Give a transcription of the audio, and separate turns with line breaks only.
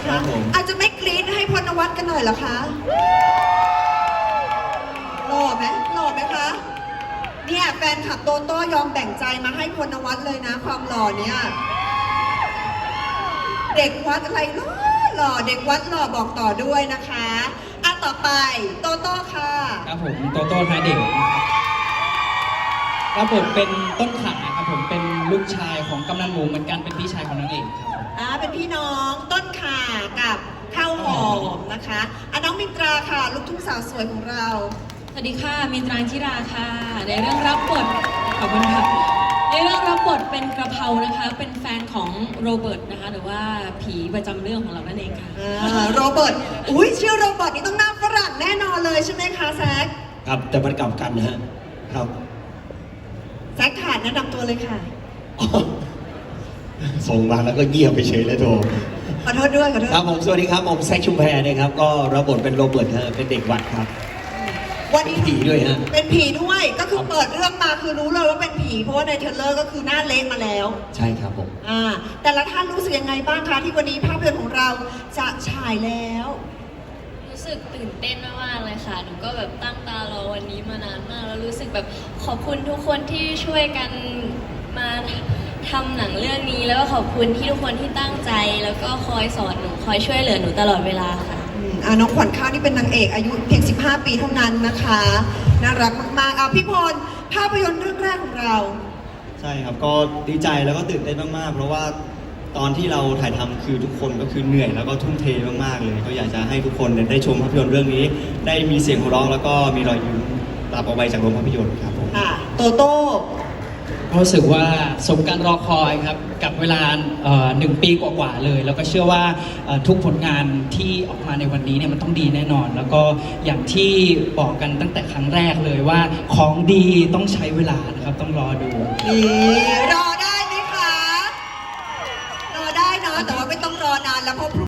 คะอาจจะไม่กรี๊ดให้พลนวัตกันหน่อยเหรอคะหล่อไหมคะเนี่ยแฟนคลับโตโต้ยอมแบ่งใจมาให้พลนวัตเลยนะความหล่อเนี่ยเด็กวัดอะไรหล่อเด็กวัดหล่อบอกต่อด้วยนะคะต่อไปโตโต้ค่ะ
ครับผมโตโต้ทาเด็กครับผมเป็นต้นขาครับผมเป็นลูกชายของกำนันหมูเหมือนกันเป็นพี่ชายของนางเอกครับ
เป็นพี่น้องต้นขากับข้าวหอมนะคะน้องมินตราค่ะลูกทุ่งสาวสวยของเรา
สวัสดีค่ะมินตราธิราค่ะในเรื่องรับบทขอบคุณค่ะในเรื่องรับบทเป็นกระเพรานะคะเป็นแฟนของโรเบิร์ตนะคะหรือว่าผีประจำเรื่องของเรานั่นเองค่ะ
โรเบิร์ตชื่อโรเบิร์ตนี่ต้องหน้าฝรั่งแน่นอนเลยใช่ไหมคะแซค
ครับแต่มันกลับกันนะฮะครับ
แซคขาดแนะนำตัวเลยค่ะ
ส่งมาแล้วก็เงียบไปเฉยเลยโทร
ขอโทษด้วย
ครับผมสวัสดีครับผมแซคชุมแพนะครับก็รับบทเป็นโรเบิร์ตฮะเป็นเด็กวัดครับ
วันนี้
ผีด้วยฮะ
เป็นผีด้วยก็คือเปิดเรื่องมาคือรู้เลยว่าเป็นผีเพราะว่าในเทรลเลอร์ก็คือหน้าเละมาแล้ว
ใช่ครับผม
แต่ละท่านรู้สึกยังไงบ้างคะที่วันนี้ภาพยนตร์ของเราจะฉายแล้ว
รู้สึกตื่นเต้นมากๆเลยค่ะหนูก็แบบตั้งตารอวันนี้มานานมากแล้วรู้สึกแบบขอบคุณทุกคนที่ช่วยกันมาทำหนังเรื่องนี้แล้วก็ขอบคุณที่ทุกคนที่ตั้งใจแล้วก็คอยสอนหนูคอยช่วยเหลือหนูตลอดเวลาค่ะ
น้องขวัญข้าวนี่เป็นนางเอกอายุเพียง15 ปีเท่านั้นนะคะน่ารักมากๆพี่พลภาพยนตร์เรื่องแรกของเรา
ใช่ครับก็ดีใจแล้วก็ตื่นเต้นมากๆเพราะว่าตอนที่เราถ่ายทำคือทุกคนก็คือเหนื่อยแล้วก็ทุ่มเทมากๆเลยก็อยากจะให้ทุกคนได้ชมภาพยนตร์เรื่องนี้ได้มีเสียงหัวเราะแล้วก็มีรอยยิ้มตามเอาไว้จากโรงภาพยนตร์ครับผม
โตโต้
รู้สึกว่าสมการรอคอยครับกับเวลา1 ปีกว่าๆเลยแล้วก็เชื่อว่าทุกผลงานที่ออกมาในวันนี้เนี่ยมันต้องดีแน่นอนแล้วก็อย่างที่บอกกันตั้งแต่ครั้งแรกเลยว่าของดีต้องใช้เวลานะครับต้องรอดู
รอได้ไหมคะรอได้เนาะแต่ว่าไม่ต้องรอนานแล้วเพราะ